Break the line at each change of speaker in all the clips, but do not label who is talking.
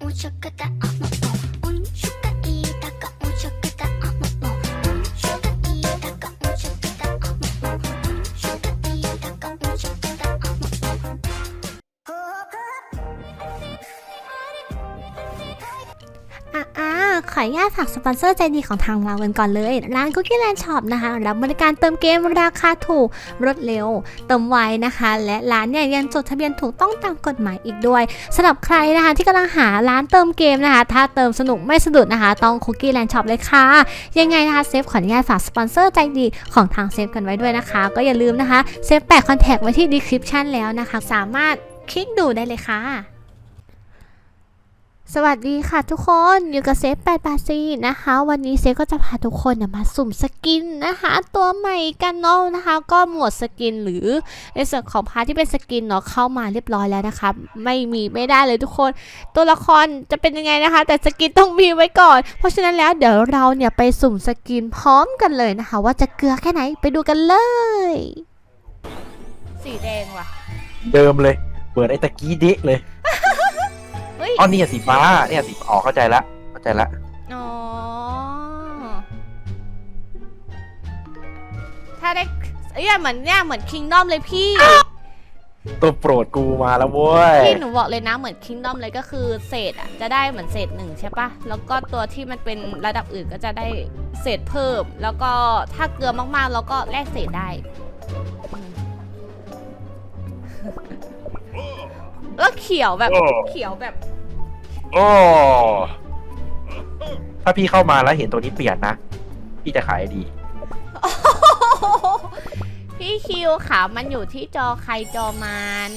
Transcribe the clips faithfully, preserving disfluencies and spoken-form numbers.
ขออนุญาตฝากสปอนเซอร์ใจดีของทางเรากันก่อนเลยร้าน Cookie Land Shop นะคะรับบริการเติมเกมราคาถูกรวดเร็วเติมไวนะคะและร้านเนี่ยยังจดทะเบียนถูกต้องตามกฎหมายอีกด้วยสำหรับใครนะคะที่กำลังหาร้านเติมเกมนะคะถ้าเติมสนุกไม่สะดุดนะคะต้อง Cookie Land Shop เลยค่ะยังไงนะคะเซฟขออนุญาตฝากสปอนเซอร์ใจดีของทางเซฟกันไว้ด้วยนะคะก็อย่าลืมนะคะเซฟแปะคอนแทคไว้ที่ description แล้วนะคะสามารถคลิกดูได้เลยค่ะสวัสดีค่ะทุกคนอยู่กับเซฟแปด แปด สี่นะคะวันนี้เซฟก็จะพาทุกคนมาสุ่มสกินนะคะตัวใหม่กันเนาะนะคะก็หมวดสกินหรือในส่วนของพาร์ทที่เป็นสกินเนาะเข้ามาเรียบร้อยแล้วนะคะไม่มีไม่ได้เลยทุกคนตัวละครจะเป็นยังไงนะคะแต่สกินต้องมีไว้ก่อนเพราะฉะนั้นแล้วเดี๋ยวเราเนี่ยไปสุ่มสกินพร้อมกันเลยนะคะว่าจะเกลือแค่ไหนไปดูกันเลยสีแดงว่ะ
เดิมเลยเปิดไอ้ตะกี้เด็กเลยอ๋อนี่สีฟ้าเนี่ยสีอ๋อเข้าใจละเข้าใจละ
อ๋อถ้าได้เอ้ยเหมือนเนี่ยเหมือนคิงดอมเลยพี่
ตัวโปรดกูมาแล้วเว้ย
พี่หนูบอกเลยนะเหมือนคิงดอมเลยก็คือเศษอ่ะจะได้เหมือนเศษหนึ่งใช่ปะแล้วก็ตัวที่มันเป็นระดับอื่นก็จะได้เศษเพิ่มแล้วก็ถ้าเกลือมากๆแล้วก็แลกเศษได้แล้วเขียวแบบเขียวแบบ
โอ้ถ้าพี่เข้ามาแล้วเห็นตัวนี้เปลี่ยนนะพี่จะขายดี
พี่คิวขามันอยู่ที่จอใครจอมัน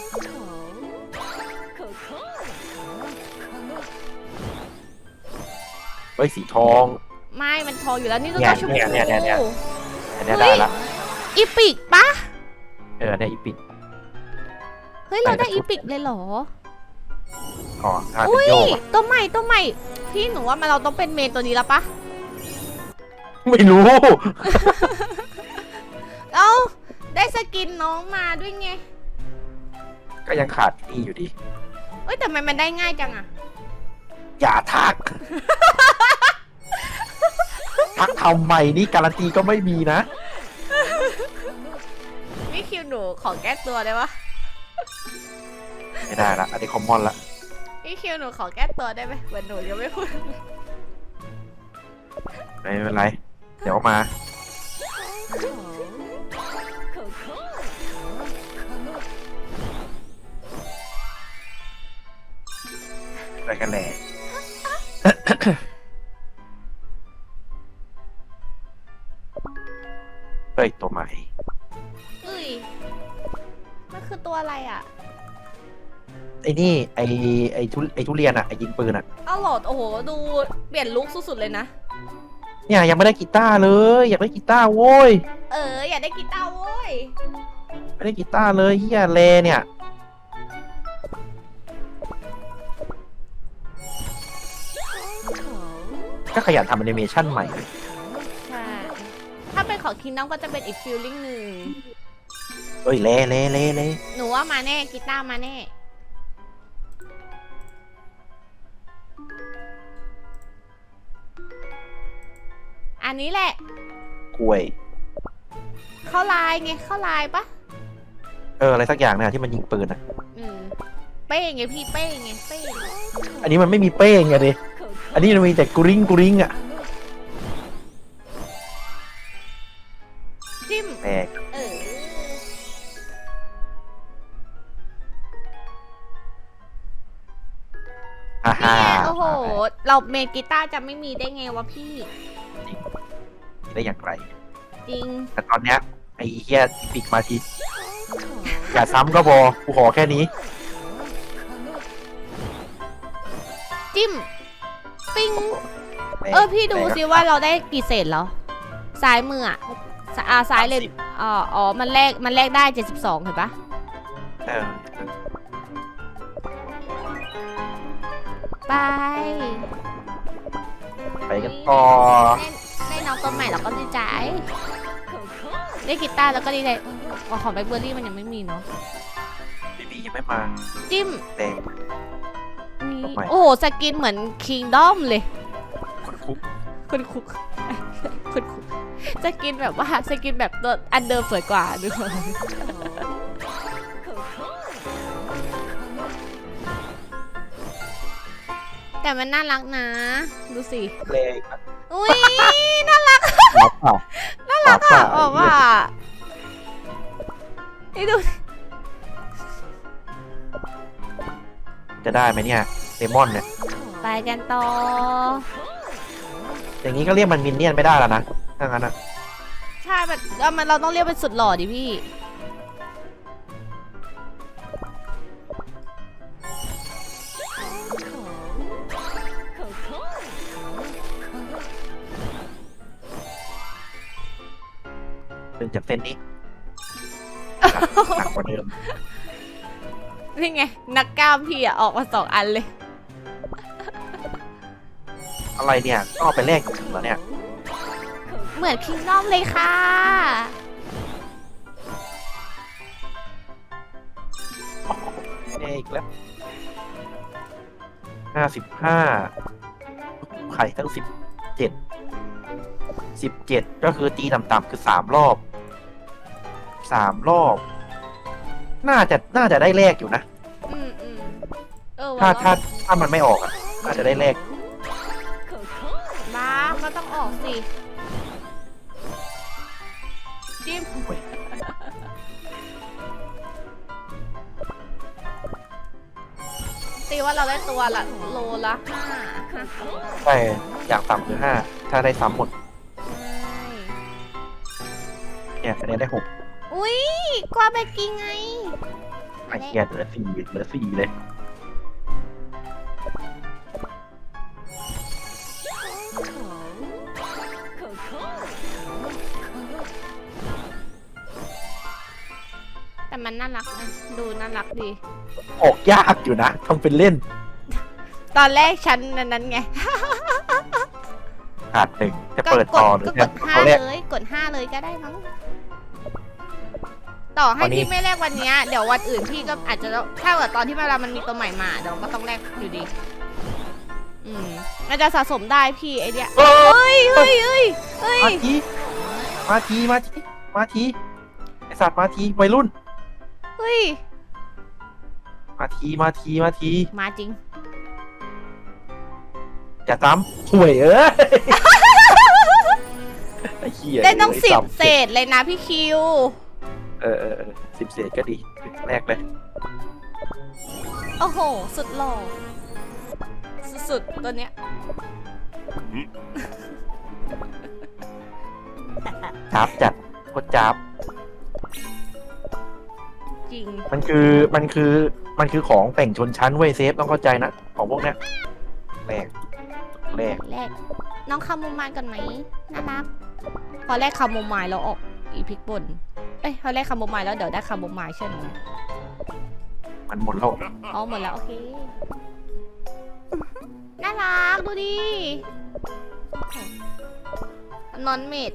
เฮ้ยสีทอง
ไม่มันทองอยู่แล้วนี่ตัวชมพู
เนี่ยเนี่ยเนี่ยเนี่ยเนี่ยได้ละ
อีปิกปะ
เออเนี่ยอีปิก
เฮ้ยเราได้อีปิกเลยเหรอ
อ๋อถ้าเป็นโยก
ตัวใหม่ตัวใหม่พี่หนูว่ามันเราต้องเป็นเมนตัวนี้แล้วปะ
ไม่รู้
เอาได้สกินน้องมาด้วยไง
ก็ยังขาดนี่อยู่ดี
เอ้ยแต่มันมันได้ง่ายจังอะ
อย่าทักทักทำใหม่นี่การันตีก็ไม่มีนะ
พี่คิวหนูขอแก้ตัวได้ปะ
ไม่ได้ละอันนี้คอมมอนละ
พี่คิวหนูขอแก้ตัวได้ไหมเหมือนหนูยังไม่พูด
ไม่เป็นไรเดี๋ยวมาไปกันแหละเฮ้ยตัวใหม่
เฮ้ยมันคือตัวอะไรอ่ะ
ไอ้นี่ไอ้ไอ้ทุไอ้ทุเรียนอะไอ้ยิงปืนอะ
อ้าวหลอดโอ้โหดูเปลี่ยนลุคสุดๆเลยนะ
เนี่ยยังไม่ได้กีตาร์เลยอยากได้กีตาร์โว้ย
เอออยากได้กีตาร์โว้ย
ไม่ได้กีตาร์เลยเฮียเลเนี่ยก็ขยันทำแอนิเมชันใหม่เลย
ใช่ถ้าเป็นของคิงดอมก็จะเป็นอีกฟีลลิ่งหนึ่ง
เอ้ยเล่เล่เล่เล่
หนูว่ามาแน่กีตาร์มาแน่อันนี้แหละ
กล้วย
เข้าลายไงเข้าลายปะ
เอออะไรสักอย่างเนี่ยที่มันยิงปืนอ่ะ
อืมเป้ไงพี่เป้ไงเป้
อันนี้มันไม่มีเป้ไงดิอันนี้มันมีแต่กริ้งกริ้งอ่ะ
จิ้ม
แตก
เออ
ฮ่าฮ่า
โอ้โหเราเมนกีตาร์จะไม่มีได้ไงวะพี่
ได้อย่างไร
จริง
แต่ตอนเนี้ยไอ้เหี้ยปิกมาทีอย่าซ้ำก็พอกูขอแค่นี้
จิ้มปิ้งเออพี่ดูสิว่าเราได้กี่เศษแล้วซ้ายมืออ่ะอ่าซ้ายเลยอ๋ออ๋อมันแลกมันแลกได้เจ็ดสิบสองเห็นปะ
เออ
ไป
ไปกันต่อ
ได้น้องตัวใหม่เราก็ดีใจได้กีตาร์แล้วก็ดีใจของแบล็คเบอร์รี่มันยังไม่มีเนาะ
บีบียังไม่มา
จิ้ม
แต่
นี่
ใหม่
โอ้โหสกินเหมือนคิงดอมเลย
คนคุก
คุณคุกคุณคุกสกินแบบว่าสกินแบบตัวอันเดิมสวยกว่าดูแต่มันน่ารักนะ ดูสิ
เลง
อุ้ยน่ารัก
หมาป่า
น่ารักอ่ะบอกว่านี่ดู
จะได้ไหมเนี่ยเลมอนเนี่ย
ไปกันต่อ
อย่างนี้ก็เรียกมันมินเนี่ยนไม่ได้แล้วนะถ้างั้นอ่ะ
ใช่แบบเอามันเราต้องเรียกเป็นสุดหล่อดิพี่
ดึงจากเส้นนี้หนักกว่าเดิม
นี่ไง นักกล้ามพี่อะออกมาสองอันเลย
อะไรเนี่ยก็เอาไปแลกกับถึงแล้วเนี่ย
เหมือนคิงดอมเลยค่ะ
เอกแล้วห้าสิบห้าไข่ทั้งสิบเจ็ดสิบเจ็ดก็คือตีต่ำๆคือสามรอบสามรอบ น่าจะน่าจะได้แลกอยู่นะ
อืมอืมเออ
ถ้า
ว่ะ
ถ้าถ้ามันไม่ออกอ่ะน่าจะได้แลก
มาก็ต้องออกสิ จิ้ม ตีว่าเราได้ตัวละโลละห้าห้า
ใช่อย่างต่ำคือห้าถ้าได้ซ้ำหมด
ใช่
เนี่ยอันนี้ได้หก
อุ้ยกว่าไปกินไง
ไอ้เกียเหลือสี่เหลือสี่เลย
แต่มันน่ารักนะ ดูน่ารักดี
ออกยากอยู่นะทำเป็นเล่น
ตอนแรกฉันนั้นไง
ขาดหนึ่งจะ
ก็
เปิด
ก
ต่อ
ด
หรือ
ก็ก
จะ
ดห้า
เขาแรก
เลย กดห้าเลยก็ได้มั้ง ต่อให้
วันนี้
พี่ไม่แลกวันเนี้ยเดี๋ยววันอื่นพี่ก็อาจจะต้องถ้าเกิดตอนที่เวลามันมีตัวใหม่มาเดี๋ยวก็ต้องแลกอยู่ดี อืมมันจะสะสมได้พี่ไอเดีย
เออ
เฮ้ยเฮ้ยเฮ้ยเฮ้ย
มาทีมาทีมาทีมาทีไอสัตว์มาทีวัยรุ่น
เฮ้ย
มาทีมาทีมาที
มาจริง
จะซ้ำห่วยเอ้ยไอ้เหี้ย
ได้ต้องสิบ
ซ้ำ
เศษเลยนะพี่คิว
เออเออเออสิบเศษก็ดีแรกเลย
โอ้โห สุดหล่อ สุดๆตัวเนี้ย
จับจัดโคตรจับ
จริง
มันคือมันคือมันคือของแต่งชนชั้นเว้ยเซฟต้องเข้าใจนะของพวกเนี้ยแรกแรก
แรก น้องคาโมไมล์กันไหมน่ารัก พอแรกคาโมไมล์แล้วออกอีพิกบน เอ้ยพอแรกคาโมไมล์แล้วเดี๋ยวได้คาโมไมล์ใช่ไหม
มันหมดแล้ว
อ๋อหมดแล้ว โอเค น่ารัก ดูดินอนเมด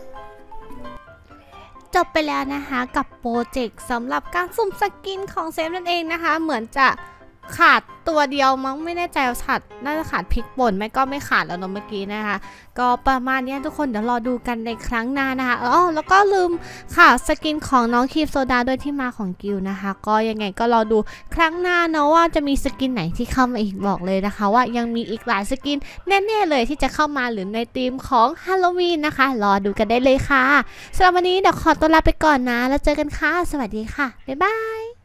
จบไปแล้วนะคะกับโปรเจกต์สำหรับการสุ่มสกินของเซฟนั่นเองนะคะ เหมือนจะขาดตัวเดียวมั้งไม่แน่ใจว่าขาดน่าจะขาดพริกป่นไม่ก็ไม่ขาดแล้วเนอะเมื่อกี้นะคะ ก็ประมาณนี้ทุกคนเดี๋ยวรอดูกันในครั้งหน้านะคะอ๋อแล้วก็ลืมข่าวสกินของน้องคีบโซดาด้วยที่มาของกิลนะคะ ก็ยังไงก็รอดูครั้งหน้าเนาะว่าจะมีสกินไหนที่เข้ามาอีกบอกเลยนะคะ ว่ายังมีอีกหลายสกินแน่ๆเลยที่จะเข้ามาหรือในธีมของฮาโลวีนนะคะรอดูกันได้เลยค่ะสำหรับวันนี้เดี๋ยวขอตัวลาไปก่อนนะแล้วเจอกันค่ะสวัสดีค่ะบ๊ายบาย